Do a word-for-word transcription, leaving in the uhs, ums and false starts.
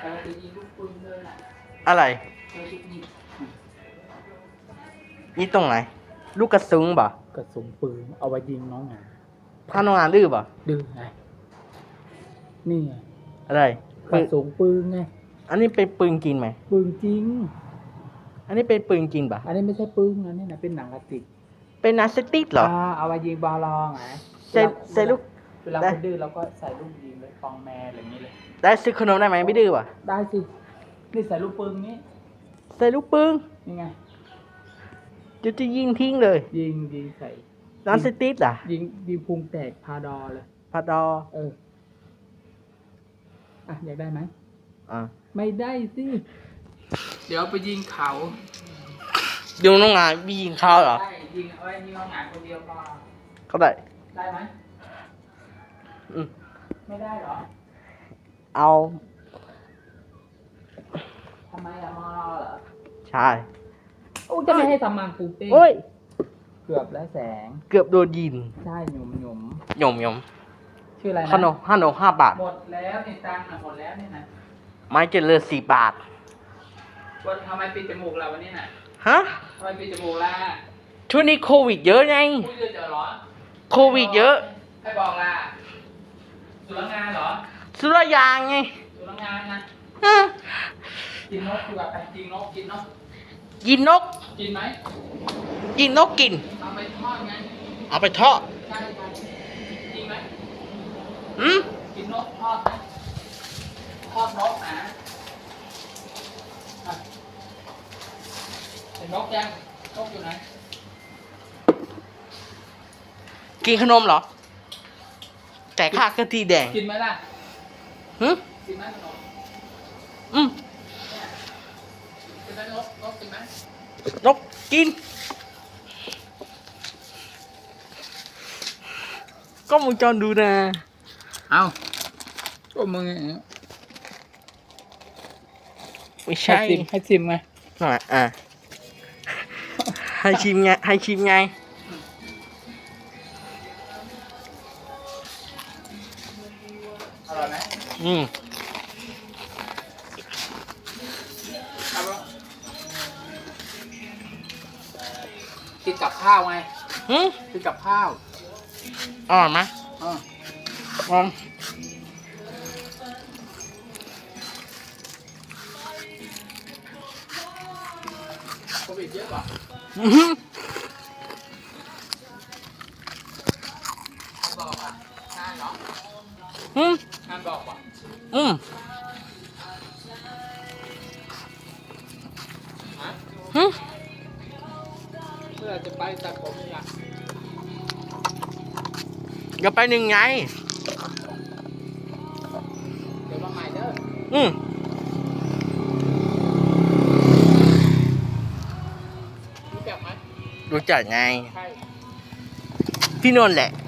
แต่เราจะยิงลูกปืนเลยแหละอะไรเราจะยิงนี่ตรงไหนลูกกระสุนบ่กระสุนปืนเอาไว้ยิงน้องหมาพาน้องงานดื้อบ่ดื้อไงนี่ไงอะไรกระสุนปืนไงอันนี้เป็นปืนจริงไหมปืนจริงอันนี้เป็นปืนจริงป่ะอันนี้ไม่ใช่ปืนอันนี้นะเป็นหนังกระติกเป็นนาสติกเหรออ่าเอาไว้ยิงบอลลองไงใส่ใส่ลูกเวลาคนดื้อเราก็ใส่ลูกยิงเลยฟองแมร์อะไรอย่างนี้เลยได้ซื้อขนมได้ไหมไม่ดื้อป่ะได้สินี่ใส่ลูกปืนนี้ใส่ลูกปืนนี่ไงจะจะยิงทิ้งเลยยิงยิงใส่นาสติกอ่ะยิงยิงพุงแตกพาดอเลยพาดอเอออ่ะอยากได้ไหมอ่าไม่ได้สิเดี๋ยวไปยิงเขาเดี๋ยวน้องงานมียิงเขาเหรอได้ยิงเอาไว้ยิงน้องหงายคนเดียวพอเขาได้ได้ไหมอืมไม่ได้เหรอเอาทำไมอะมอรอเหรอใช่โอ้จะไม่ให้ทำมังปูเป้โอ้ยเกือบแล้วแสงเกือบโดนยิงใช่หนุ่มหนุ่มหยมหยมชื่ออะไรนะขนมขนมห้าบาทหมดแล้วนี่ตังค์อะหมดแล้วนี่นะไม้เจริญสี่บาทวันทำไมปิดจมูกเราวันนี้น่ะฮะทำไมปิดจมูกล่ะช่วงนี้โควิดเยอะไงพูดเยอะเจอเหรอโควิดเยอะให้บอกล่ะสุรางานเหรอสุรยางไงสุรางานนะฮะกินนกดีกว่าไปกินนกกินนกกินนกกินไหมกินนกกินเอาไปทอดไงเอาไปทอดใช่ใช่จริงไหมอืมกินนกทอดไหมทอดนกนะอ่ะเห็นนกยังนกอยู่ไหนกินขนมเหรอ แต่ข้ากะทิแดงกินไหมล่ะฮึกินไหมขนมอืมกินไหมนกนกกินไหมนกกิน ก็มึงจอนดูนะเอาก็มึงไม่ใช่ให้ซิมให้ซิมไงอ่ะอ่ะให้ชิมไงให้ชิมไงอร่อยไหมอืมเอาปะกินกับข้าวไงหืมกินกับข้าวอร่อยไหมอ่าอืมโควิดเยอะกว่าอื้อหือบอกอ่ะงานเหรออืมงานบอกป่ะอืมฮะหืมเมื่อจะไปตัดผมนี่ล่ะเดี๋ยวไปหนึ่งไงเดี๋ยวมาใหม่เด้ออืมรู้จักไหมรู้จักไงใช่ที่นนท์แหละ